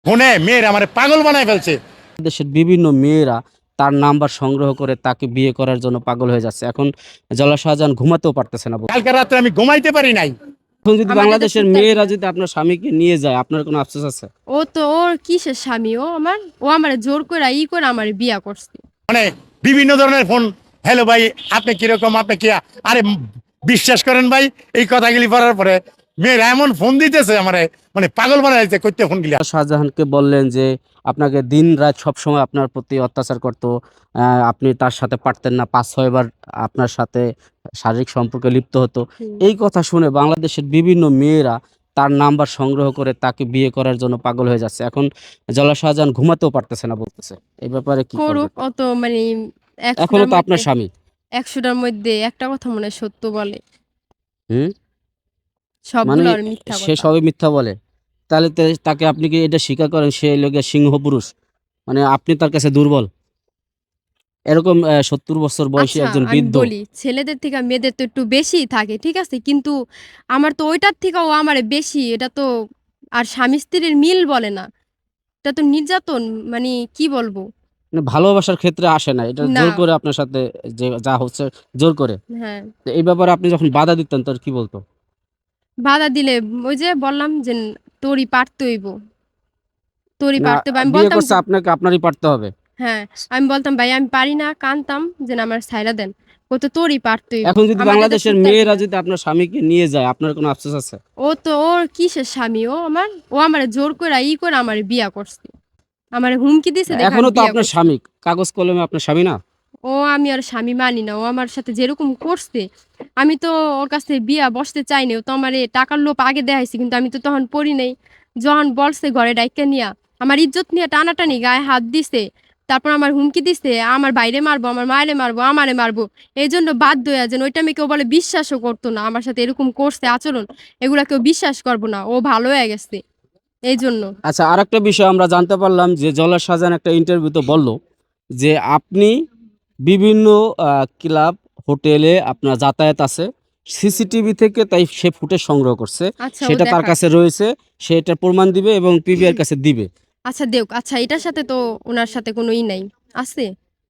ফোনে মেয়ের আমার পাগল বানায় ফেলছে। দেশের বিভিন্ন মেয়েরা তার নাম্বার সংগ্রহ করে তাকে বিয়ে করার জন্য পাগল হয়ে যাচ্ছে। এখন জলা শাহজাহান ঘুমাতেও পারতেছে না। কালকে রাত্রে আমি ঘুমাইতে পারি নাই। এখন যদি আমাদের দেশে বাংলাদেশের উত্তর মেয়েরা দিবে। যদি আপনার স্বামীকে নিয়ে যায়, আপনার কোনো আফসোস আছে? ও তো ওর কিসের স্বামী? ও আমার জোর করে করে আমার বিয়া করছে। মানে বিভিন্ন ধরনের ফোন, হ্যালো ভাই আপনি কিরকম, আপনি কি, আরে বিশ্বাস করেন ভাই এই কথাগুলি পড়ার পরে মেয়েরা এমন ফোন দিতেছে আমারে, মানে পাগল বানায় দিতে করতে ফোন গিলা। শাহজাহানকে বললেন যে আপনাকে দিন রাত সবসময় আপনার প্রতি অত্যাচার করত, আপনি তার সাথে পারতেন না, ৫-৬ বার আপনার সাথে শারীরিক সম্পর্কে লিপ্ত হতো। হুম। এই কথা শুনে বাংলাদেশের বিভিন্ন মেয়েরা তার নাম্বার সংগ্রহ করে তাকে বিয়ে করার জন্য পাগল হয়ে যাচ্ছে। এখন জলা শাহজাহান ঘুমাতেও পারতেছে না বলতেছে। এই ব্যাপারে কি করবেন? করুক, অত মানে এখনো ১০০টার তো মধ্যে আপনার স্বামী। ১০০টার মধ্যে একটা কথা মনে হয় সত্য বলে। হুম? মানে সবগুলো আর মিথ্যা সে কথা। সবই মিথ্যা বলে। তাহলে তাকে আপনি কি এটা স্বীকার করেন সে হলো গিয়ে সিংহ পুরুষ? মানে আপনি তার কাছে দুর্বল? এরকম ৭০ বছর বয়সী আচ্ছা, একজন আমি বৃদ্ধ। বলি ছেলেদের থেকে মেয়েদের তো একটু বেশিই থাকে, ঠিক আছে? কিন্তু আমার তো ওইটার থেকেও আমারে বেশি। এটা তো আর স্বামী-স্ত্রীর মিল বলে না। এটা তো নির্যাতন, মানে কি বলবো? মানে ভালোবাসার ক্ষেত্রে আসে না। এটা না। জোর করে আপনার সাথে যে যা হচ্ছে জোর করে। হ্যাঁ। তো এই ব্যাপারে আপনি যখন বাধা দিতেন তোর কি বলতো? বাধা দিলে ওই যে বললাম যে, "তোরই পারতে হইব। তোরই না, পারতে হইব।" আমি বিয়ে বলতাম করছে যে আপনাকে, আপনারই পারতে হবে। হ্যাঁ, আমি বলতাম, "ভাই আমি পারি না।" কানতাম যে, "না আমার ছাইড়া দেন।" কইতো, "তোরই পারতে হইব।" এখন যদি আমাদের দেশে বাংলাদেশের উত্তর মেয়েরা দিবে। যদি আপনার স্বামীকে নিয়ে যায়, আপনার কোনো আফসোস আছে? ও তো ওর কিসের স্বামী? ও আমারে জোর কইরা করে আমারে বিয়া করছে। আমারে হুমকি দিছে দেখে এখনো আমি তো বিয়া আপনার করছি। স্বামী। কাগজ কলমে আপনার স্বামী না? আমি ওর স্বামী মানি না। ও আমার সাথে যেরকম করছে, আমি তো ওর কাছ থেকে বিয়া বসতে চাইনি। ও তো আমারে টাকার লোভ আগে দেখাইছে, কিন্তু আমি তো তখন পড়ি নাই। যখন বলছে ঘরে ডাইক্কা নিয়া, আমার ইজ্জত নিয়ে টানাটানি গায়ে হাত দিছে। তারপর আমার হুমকি দিছে, আমার ভাইরে মারবো, আমার মায়েরে মারবো, আমারে মারবো। এইজন্য বাধ্য হইয়া যেন ওইটা আমি কেউ বলে বিশ্বাসও করতো না। আমার সাথে এরকম করছে আচরণ, এগুলা কেউ বিশ্বাস করব না। ও ভালো হয়ে গেছে। এইজন্য। আচ্ছা, আরেকটা বিষয় আমরা জানতে পারলাম যে জলা শাহজাহান একটা ইন্টারভিউতে বলল যে আপনি বিভিন্ন ক্লাব, হোটেলে আপনার যাতায়াত আছে। সিসিটিভি থেকে তাই সে ফুটেজ সংগ্রহ করছে। আচ্ছা, ও সেটা তার দেখাক। কাছে রয়েছে। সে এটার প্রমাণ দিবে এবং পিবিআর কাছে দিবে। আচ্ছা দেউক। আচ্ছা, এটার সাথে তো উনার সাথে কোনো নাই। আছে?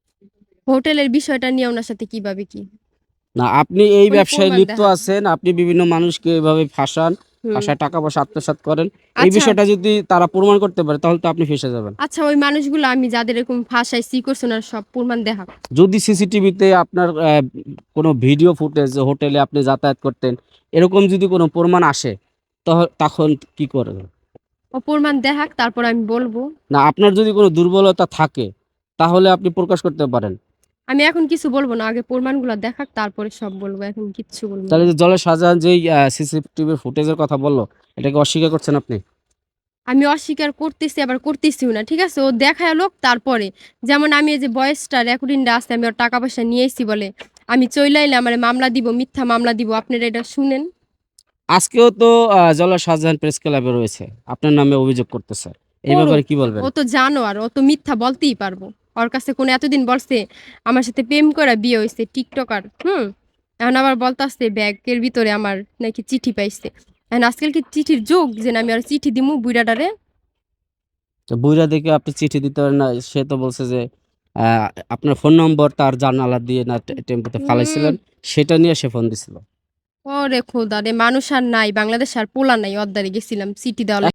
হোটেলের বিষয়টা নিয়ে উনার সাথে কিভাবে কি? না, আপনি এই উনি ব্যবসায় প্রমাণ লিপ্ত দেখাক। আছেন। আপনি বিভিন্ন মানুষকে এভাবে ফাঁসান, হুম। ফাঁসায় টাকা-পয়সা আত্মসাৎ করেন। এই আচ্ছা, বিষয়টা যদি তারা প্রমাণ করতে পারে তাহলে তো আপনি ফেঁসে যাবেন। আচ্ছা ওই মানুষগুলো আমি যাদের এরকম ফাঁসাইছি, ই করছে উনার সব প্রমাণ দেখাক। যদি সিসিটিভিতে আপনার কোনো ভিডিও ফুটেজ যে হোটেলে আপনি যাতায়াত করতেন, এরকম যদি কোনো প্রমাণ আসে তখন কি করবেন? ও প্রমাণ দেখাক, তারপর আমি বলব। না, আপনার যদি কোনো দুর্বলতা থাকে তাহলে আপনি প্রকাশ করতে পারেন। আমি এখন কিছু বলব না। আগে প্রমাণগুলা দেখাক, তারপরে সব বলব। এখন কিচ্ছু বলব তাহলে না। যে জলে শাহজাহান যেই সিসিটিভি ফুটেজের কথা বলল, এটাকে অস্বীকার করছেন আপনি? আমি অস্বীকার করতেছি, আবার করতেছিও না। ঠিক আছে? ও দেখায় লোক তারপরে। যেমন আমি এই যে ভয়েসটা রেকর্ডিংটা আছে, আমি ওর টাকা পয়সা নিয়ে আইছি বলে। আমি চইলা আইলে আমারে মামলা দিব, মিথ্যা মামলা দিব। আপনারা এটা শুনেন। আজকেও তো জলা শাহজাহান প্রেস ক্লাবে রয়েছে। আপনার নামে অভিযোগ করতেছে। এই ব্যাপারে করুক। কি বলবেন? ও তো জানোয়ার। ও তো মিথ্যা বলতেই পারবো। ওর কাছে কোনো এতদিন বলছে আমার সাথে প্রেম কইরা বিয়ে হইছে টিকটকার। হুম? এখন আবার বলতাছে ব্যাগের ভিতরে আমার নাকি চিঠি পাইছে। এখন আজকাল কি চিঠির যুগ যে না আমি ওরে চিঠি দিমু বুইড়াটারে? তো বুইড়া দেখে আপনি চিঠি দিতে পারেন না। সে তো বলছে যে আ আপনার ফোন নম্বর তার জানালা দিয়ে না টেম্পোতে হুম। ফালাইছিলেন। সেটা নিয়ে সে ফোন দিছিল। ওরে খোদা রে! মানুষ আর নাই। বাংলাদেশে আর পোলা নাই। অদ্দারে গেছিলাম চিঠি দেওয়ার